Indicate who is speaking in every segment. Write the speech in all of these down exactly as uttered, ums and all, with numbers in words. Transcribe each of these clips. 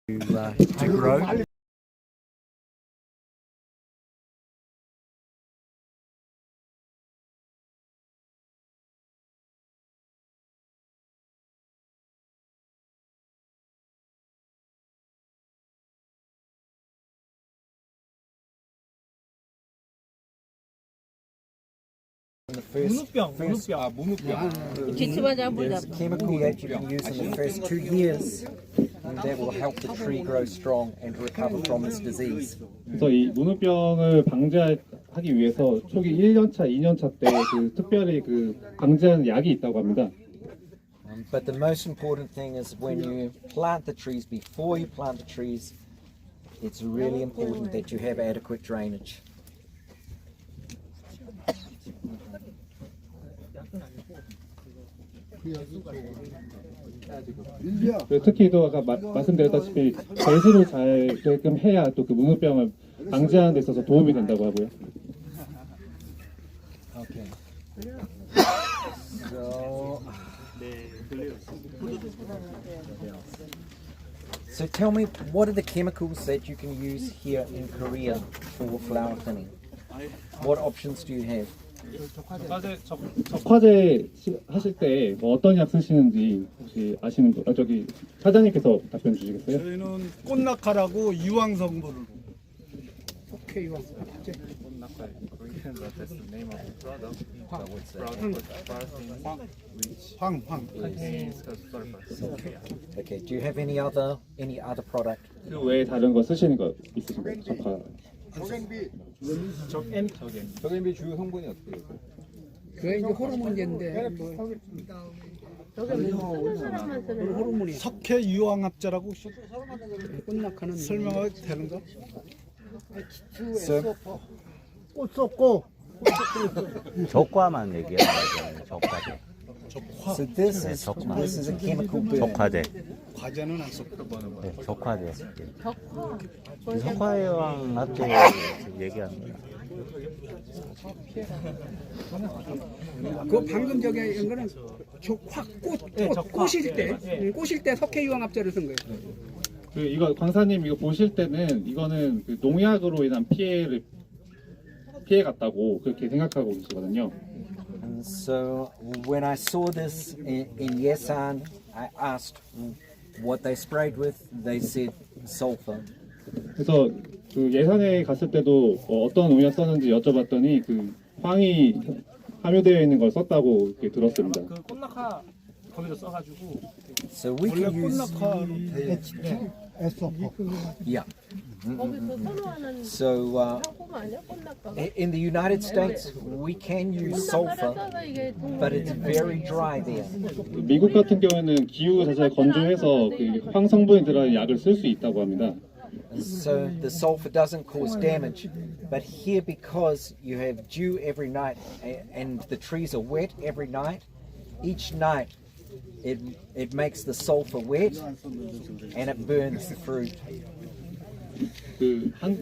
Speaker 1: to, uh, to grow. The first,
Speaker 2: 문우병,
Speaker 1: first
Speaker 2: 문우병.
Speaker 3: 아, 문우병.
Speaker 4: 기침하자 한번
Speaker 1: there's a chemical that you can use in the first two years and that will help the tree grow strong and recover from this disease.
Speaker 5: 그래서 이 문우병을 방지하기 위해서 초기 일 년 차, 이 년 차 때 그 특별히 그 방지하는 약이 있다고 합니다.
Speaker 1: Um, but the most important thing is when you plant the trees, before you plant the trees, it's really important that you have adequate drainage.
Speaker 5: 그리고 특히 또 아까 마, 말씀드렸다시피 배수를 잘 되게끔 해야 또 그 문우병을 방지하는 데 있어서 도움이 된다고 하고요.
Speaker 1: Okay. So, so tell me, what are the chemicals that you can use here in Korea for flower thinning? What options do you have?
Speaker 2: 적화제, 적,
Speaker 5: 적화제 시- 하실 때 뭐 어떤 약 쓰시는지 혹시 아시는 분, 아, 저기 사장님께서 답변 주시겠어요?
Speaker 3: 저희는 꽃낙하라고 유황 성분으로.
Speaker 2: 오케이, 이거.
Speaker 3: 황, 황.
Speaker 1: Okay. Do you have any other any other product?
Speaker 5: 그 외에 다른 거 쓰시는 거 있으신가요? 적화.
Speaker 2: 적엔,
Speaker 3: 저게 주요 성분이 어때요?
Speaker 6: 그게 이제 호르몬제인데 뭐 호르몬이
Speaker 3: 석회 유황 합자라고 혹시
Speaker 6: 꽃낙하는
Speaker 3: 설명하게 되는가?
Speaker 1: So,
Speaker 6: 꽃 쏟고
Speaker 7: 적과만 얘기하는 거죠. 적과제.
Speaker 1: so this is
Speaker 7: 적화.
Speaker 1: this is a chemical burn.
Speaker 7: 적화제.
Speaker 3: 과제는 안 썼고.
Speaker 7: 네, 적화제. 석화유황 합제 얘기하는 거예요.
Speaker 6: 그 방금 저기 한 거는 저확꽃
Speaker 2: 네,
Speaker 6: 꽃,
Speaker 2: 적화.
Speaker 6: 꽃일 때
Speaker 2: 예, 예.
Speaker 6: 응, 꽃일 때 석회유황합제를 쓴 거예요.
Speaker 5: 그 이거 광사님 이거 보실 때는 이거는 그 농약으로 인한 피해를 피해 갔다고 그렇게 생각하고 계시거든요.
Speaker 1: And so when I saw this in, in Yesan, I asked what they sprayed with. They said sulfur.
Speaker 5: 그래서 그 예산에 갔을 때도 어, 어떤 농약 썼는지 여쭤봤더니 그 황이 함유되어 있는 걸 썼다고 이렇게 들었습니다.
Speaker 2: 그 꽃낙하 거기서 써가지고.
Speaker 1: So we
Speaker 3: 원래
Speaker 1: can use
Speaker 3: 꽃낙하로 돼.
Speaker 1: yeah.
Speaker 4: 거기서 선호하는
Speaker 1: So uh,
Speaker 4: 상품 아니야? 꽃낙하가?
Speaker 1: i- in the United States, we can use sulfur,
Speaker 4: 꽃낙하가 이게
Speaker 1: but it's very dry there.
Speaker 5: 미국 같은 경우에는 기후 자체가 건조해서 그 황 성분이 들어간 약을 쓸 수 있다고 합니다.
Speaker 1: And so the sulfur doesn't cause damage. But here, because you have dew every night a- and the trees are wet every night, each night it it makes the sulfur wet and it burns the fruit
Speaker 5: 그 한,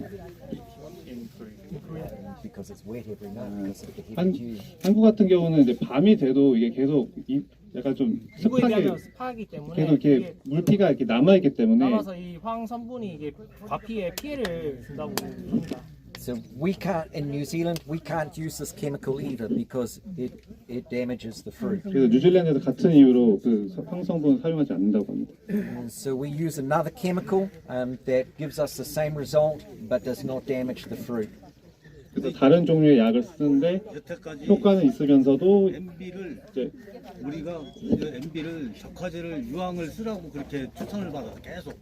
Speaker 1: because it's wet every night because of the heavy
Speaker 5: 한
Speaker 1: dew.
Speaker 5: 한국 같은 경우는 이제 밤이 돼도 이게 계속 이, 약간 좀
Speaker 2: 지구에
Speaker 5: 습하게
Speaker 2: 비하면 습하기 때문에
Speaker 5: 계속 이렇게
Speaker 2: 이게
Speaker 5: 물기가 이렇게 남아 있기 때문에
Speaker 2: 남아서 이 황 성분이 이게 과피에 피해를 준다고 합니다.
Speaker 1: So we can't in New Zealand we can't use this chemical either because it it damages the fruit.
Speaker 5: 그래서 뉴질랜드에서 같은 이유로 그 황 성분 사용하지 않는다고 합니다.
Speaker 1: And so we use another chemical um, that gives us the same result but does not damage the fruit.
Speaker 5: 그래서 다른 종류의 약을 쓰는데
Speaker 8: 여태까지
Speaker 5: 효과는 있으면서도
Speaker 8: 엠비를
Speaker 5: 이제
Speaker 8: 우리가 엠비를 적화제를 유황을 쓰라고 그렇게 추천을 받아서 계속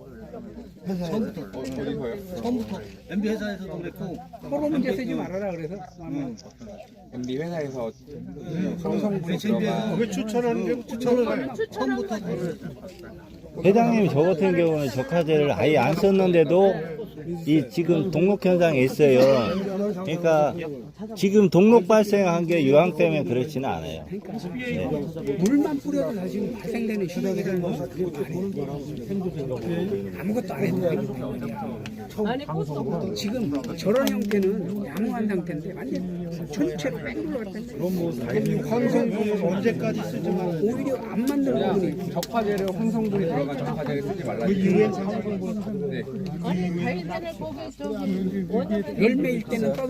Speaker 8: 처음부터 처음부터 엠비 회사에서도 그랬고
Speaker 6: 호르몬제 쓰지 말아라 그래서
Speaker 3: 엠비 회사에서
Speaker 8: 에이치엠비에서
Speaker 3: 왜 추천하는 게 추천을 해?
Speaker 8: 처음부터
Speaker 7: 회장님이 저 같은 경우는 적화제를 아예 안 썼는데도 이 지금 동록 현상이 있어요. 그러니까 지금 동록 발생한 게 유황 때문에 그렇지는 않아요. 네.
Speaker 6: 물만 뿌려도 다 지금 발생되는 시력이라는 거 아무것도 안 해도
Speaker 4: 아니 꽃도
Speaker 6: 지금 저런 형태는 양호한 상태인데 완전 전체로 뺑글로 갔는데
Speaker 3: 황성분은 언제까지 쓰지 말아야 돼?
Speaker 6: 오히려 안 맞는 부분이
Speaker 9: 적화제로 황성분이 들어간 적화제를 쓰지 말라.
Speaker 3: 그 유엔 상성분 네.
Speaker 4: 아니 다일 때는 거기 저기 원효
Speaker 6: 열매일 때는 떠도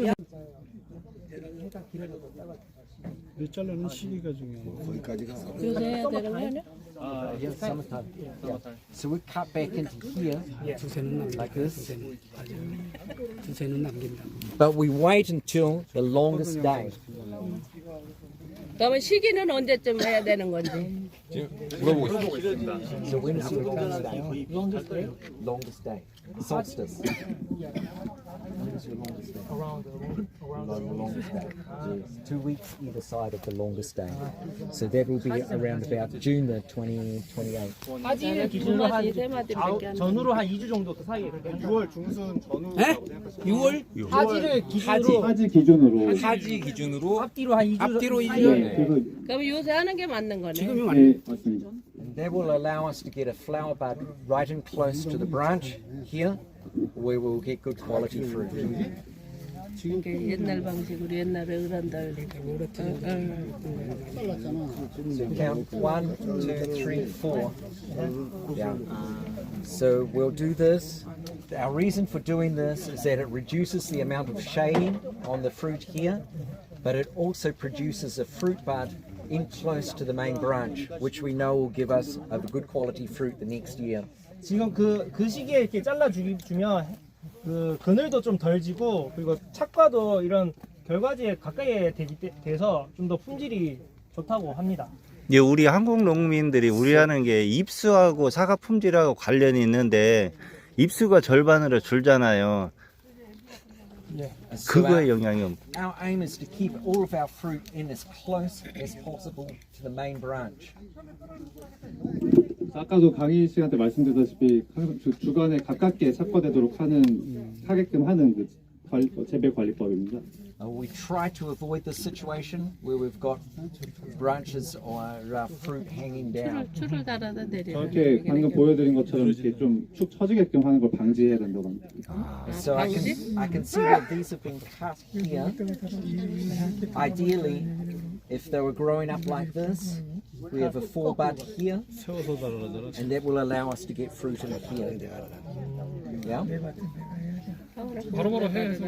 Speaker 3: 몇 잘라는 시기가 중요해요. 거기까지가.
Speaker 4: 요새 해야 되는 거 아니야?
Speaker 1: Uh, yeah, summertime. Yeah. So we cut back into here
Speaker 6: 두세는 남긴다.
Speaker 1: like this,
Speaker 6: 두세는 두세는 남긴다.
Speaker 1: but we wait until the longest day.
Speaker 4: 그러면 시기는 언제쯤 해야 되는 건지.
Speaker 9: 물어보고 싶습니다.
Speaker 1: So when is the longest day? Longest day? Longest day. Solstice. When is your longest day? Around the longest day. Yes. Two weeks either side of the longest day. So that will be around about June the twentieth, twenty-eighth.
Speaker 2: 화지를
Speaker 4: 두
Speaker 2: 기준으로 한
Speaker 4: 마디 세 마디밖에 안 돼.
Speaker 2: 전후로 한 이 주 정도 그 사이에 그렇게
Speaker 3: 유월 중순 전후.
Speaker 6: 유월
Speaker 2: 화지를 기준으로
Speaker 5: 하지 기준으로
Speaker 9: 하지 기준으로
Speaker 2: 앞뒤로 한 이 주
Speaker 9: 앞뒤로 이
Speaker 2: 사이에
Speaker 9: 주.
Speaker 5: 네, 그래서
Speaker 4: 그럼 요새 하는 게 맞는 거네.
Speaker 6: 지금이
Speaker 5: 네,
Speaker 6: 맞네.
Speaker 5: 맞습니다.
Speaker 1: And that will allow us to get a flower bud right in close to the branch here, where we'll get good quality fruit.
Speaker 4: 이게 옛날 방식으로 옛날에 어른들.
Speaker 1: So count one, two, three, four. Yeah. So we'll do this. Our reason for doing this is that it reduces the amount of shading on the fruit here, but it also produces a fruit bud in close to the main branch, which we know will give us a good quality fruit the next year.
Speaker 2: 지금 그, 그 시기에 이렇게 잘라주면 그 그늘도 좀 덜 지고 그리고 착과도 이런 결과지에 가까이 되기 때- 돼서 좀 더 품질이 좋다고 합니다.
Speaker 7: 이제 우리 한국 농민들이 우려하는 게 입수하고 사과 품질하고 관련이 있는데 입수가 절반으로 줄잖아요.
Speaker 1: So
Speaker 7: 그거에
Speaker 1: our,
Speaker 7: 영향이 없.
Speaker 1: our aim is to keep all of our fruit in as close as possible to the main branch.
Speaker 5: 아까도 강의 시간 때 말씀드렸다시피 항상 주- 주간에 가깝게 착과되도록 하는 하게끔 하는 그 관리, 재배 관리법입니다.
Speaker 1: Uh, we try to avoid this situation where we've got branches or uh, fruit hanging down.
Speaker 4: 줄을 달아다 내려.
Speaker 5: 저렇게 방금 보여드린 것처럼 이렇게 좀 축 처지게끔 하는 걸 방지해야 된다고 합니다.
Speaker 1: So I can I can see that these have been cut here. Ideally, if they were growing up like this, we have a four bud here, and that will allow us to get fruit in here. Yeah.
Speaker 2: 바로바로 해.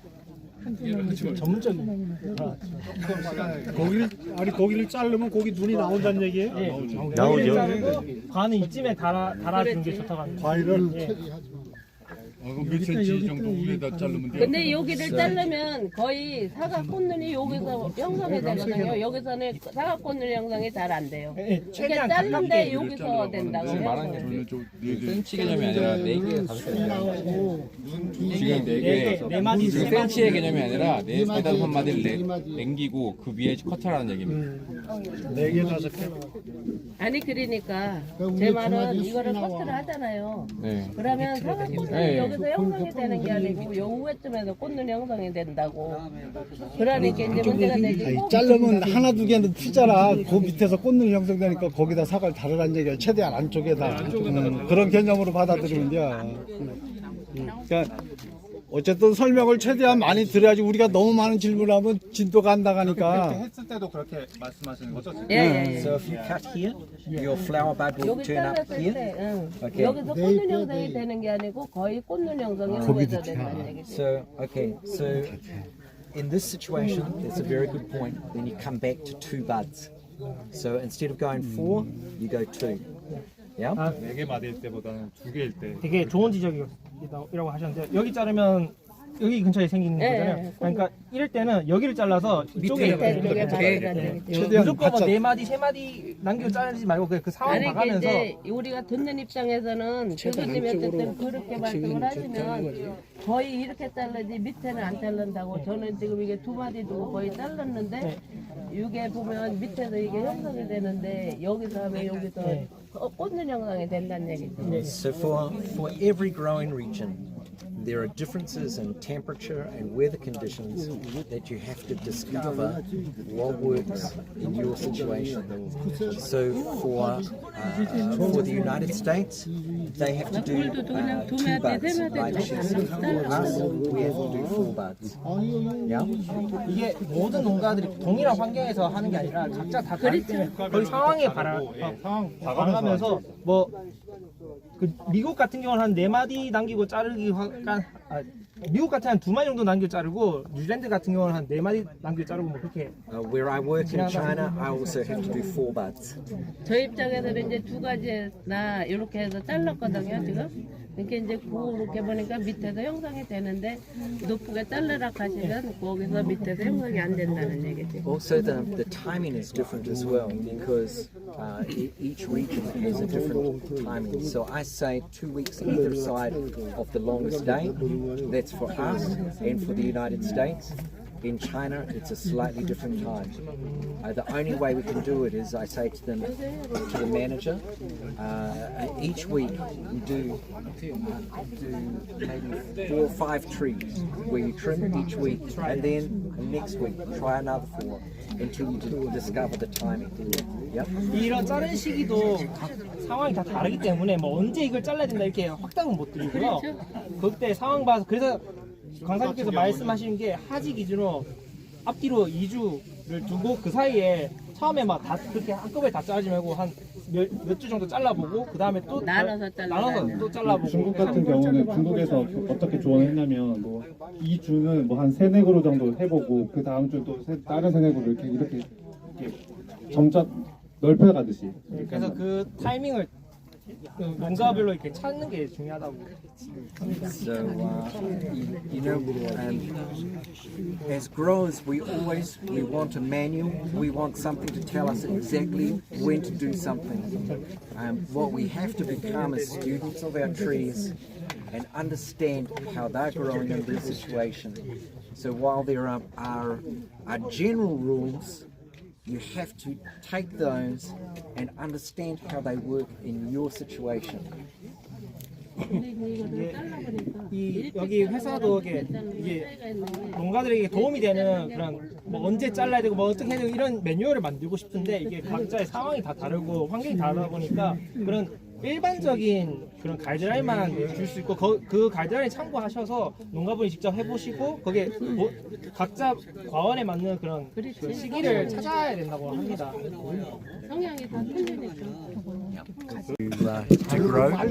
Speaker 2: 전문적인.
Speaker 3: 고기를 아니 고기를 자르면 고기 눈이 나온다는 얘기예요?
Speaker 7: 나오죠.
Speaker 2: 자르고 반은 이쯤에 달아 달아주는 게 좋다고 합니다.
Speaker 3: 과일을
Speaker 10: 몇 센치 정도 위에다 자르면 돼요?
Speaker 4: 근데 여기를 자르면 거의 사과 꽃눈이 여기서 형성이 되거든요. 여기서는 사과 꽃눈 형성이 잘 안 돼요.
Speaker 2: 예,
Speaker 4: 이렇게
Speaker 2: 최대한
Speaker 4: 자른데
Speaker 2: 가깝게
Speaker 4: 여기서 된다고요.
Speaker 10: 저는 저네 개.
Speaker 9: 센치 개념이 아니라 네 개, 다섯 개. 지금 네
Speaker 2: 네
Speaker 9: 개.
Speaker 2: 개, 네 마디,
Speaker 9: 지금
Speaker 2: 세 마디.
Speaker 9: 센치의 개념이 아니라 네 마디, 마디를 남기고 그 위에 커트라는 얘기입니다.
Speaker 3: 네 개 다섯 개.
Speaker 4: 아니 그러니까 제 말은 이거를 커트를 하잖아요.
Speaker 9: 네.
Speaker 4: 그러면 사과 꽃눈이
Speaker 9: 네.
Speaker 4: 여기서 형성이 되는 게 아니고 요 우회쯤에서 꽃눈이 형성이 된다고. 그러니까 이제 문제가 되지.
Speaker 3: 아니, 자르면 하나 두 개는 튀잖아. 그 밑에서 꽃눈이 형성되니까 거기다 사과를 다르라는 얘기야. 최대한 안쪽에다. 음, 그런 개념으로 받아들이면 돼. 음, 그러니까 어쨌든 설명을 최대한 많이 드려야지 우리가 너무 많은 질문하면 진도가 안 나가니까.
Speaker 5: 했을 때도 그렇게 말씀하시는 거죠?
Speaker 4: 예, 예, 예.
Speaker 1: So if you cut here, your flower bud will
Speaker 4: 여기
Speaker 1: turn up
Speaker 4: 잘랐을
Speaker 1: here.
Speaker 4: 때, 응.
Speaker 1: Okay.
Speaker 4: 여기서 꽃눈 형성이 되는 게 아니고 거의 꽃눈 형성이 후에서 된다는 얘기죠.
Speaker 1: So okay, so in this situation, that's a very good point. Then you come back to two buds. So instead of going four, you go two. Yeah.
Speaker 5: 네 개 마디일 때보다는 두 개일 때.
Speaker 2: 되게 좋은 지적이라고 하셨는데 여기 자르면 여기 근처에 생기는
Speaker 4: 예,
Speaker 2: 거잖아요.
Speaker 4: 예.
Speaker 2: 그러니까 이럴 때는 여기를 잘라서 이쪽에
Speaker 4: 밑에
Speaker 2: 이렇게
Speaker 4: 쪽에
Speaker 2: 이렇게
Speaker 4: 박으라는
Speaker 2: 예.
Speaker 4: 얘기죠.
Speaker 3: 최대한
Speaker 2: 무조건
Speaker 3: 바짝-
Speaker 2: 뭐네 마디 세 마디 남기고 자르지 말고 그, 그 상황
Speaker 4: 아니
Speaker 2: 봐가면서
Speaker 4: 이제 우리가 듣는 입장에서는 교수님이 어쨌든 그렇게 말씀을 하시면 거의 이렇게 자르지 밑에는 안 자른다고. 저는 지금 이게 두 마디 두고 거의 잘랐는데 이게 보면 밑에서 이게 형성이 되는데 여기서 하면 여기서 어, 꽂는 형성이 된다는 얘기죠.
Speaker 1: So for for every growing region, there are differences in temperature and weather conditions that you have to discover what works in your situation. So for uh, for the United States, they have to do uh, two buds by chest. For us, we have to do four buds. Yeah.
Speaker 2: 이게 모든 농가들이 동일한 환경에서 하는 게 아니라 각자 다 다르기 때문에 거의 상황에 발화, 상황 발화하면서 뭐 그 미국 같은 경우는 한 네 마디 남기고 자르기 한 아, 미국 같은 한 두 마디 정도 남기고 자르고 뉴질랜드 같은 경우는 한 네 마디 남기고 자르고 뭐 그렇게.
Speaker 1: Uh, where I work in China, I also have to do four buds.
Speaker 4: 저 입장에서는 이제 두 가지나 이렇게 해서 잘랐거든요 지금. 이렇게 이제 그렇게 보니까 밑에서 형성이 되는데 높게 잘라라 하시면 거기서 밑에서 형성이 안 된다는 얘기지.
Speaker 1: Also, the, the timing is different as well because uh, e- each region has a different timing. So I say two weeks either side of the longest day. That's for us and for the United States. In China, it's a slightly different time. Uh, the only way we can do it is I say to them, to the manager, uh, each week we do, uh, do maybe four or five trees where you trim each week, and then next week try another four until you d- discover the timing. Yep.
Speaker 2: 이런 자른 시기도 각 상황이 다 다르기 때문에 뭐 언제 이걸 잘라야 된다 이렇게 확답은 못 드리고요. 그때 상황 봐서 그래서 강사님께서 말씀하시는 게 하지 기준으로 앞뒤로 이 주를 두고 그 사이에 처음에 막 다 그렇게 한꺼번에 다 자르지 말고 한 몇 주 정도 잘라보고 그 다음에 또
Speaker 4: 나눠서 잘라.
Speaker 2: 나눠서 또 잘라보고.
Speaker 5: 중국 같은 경우는 중국에서 어떻게 조언을 했냐면 뭐 이 주는 뭐 한 세네 그루 정도 해보고 그 다음 주 또 다른 세네 그루 이렇게 이렇게 이렇게 점자 넓혀가듯이.
Speaker 2: 그래서 그 타이밍을 농가별로 이렇게 찾는 게 중요하다고.
Speaker 1: So, uh, you, you know, um, as growers, we always we want a manual. We want something to tell us exactly when to do something. Um, what we have to become as students of our trees and understand how they're growing in their situation. So while there are, are, are general rules, you have to take those and understand how they work in your situation.
Speaker 2: 이 여기 회사도 이게, 이게 농가들에게 도움이 되는 그런 뭐 언제 잘라야 되고 뭐 어떻게 해야 되고 이런 매뉴얼을 만들고 싶은데 이게 각자의 상황이 다 다르고 환경이 다르다 보니까 그런 일반적인 그런 가이드라인만 줄 수 있고 거, 그 가이드라인 참고하셔서 농가분이 직접 해보시고 거기에 뭐, 각자 과원에 맞는 그런 그 시기를 찾아야 된다고 합니다.
Speaker 4: 성향이 다 틀리니까.
Speaker 1: To, uh, to grow.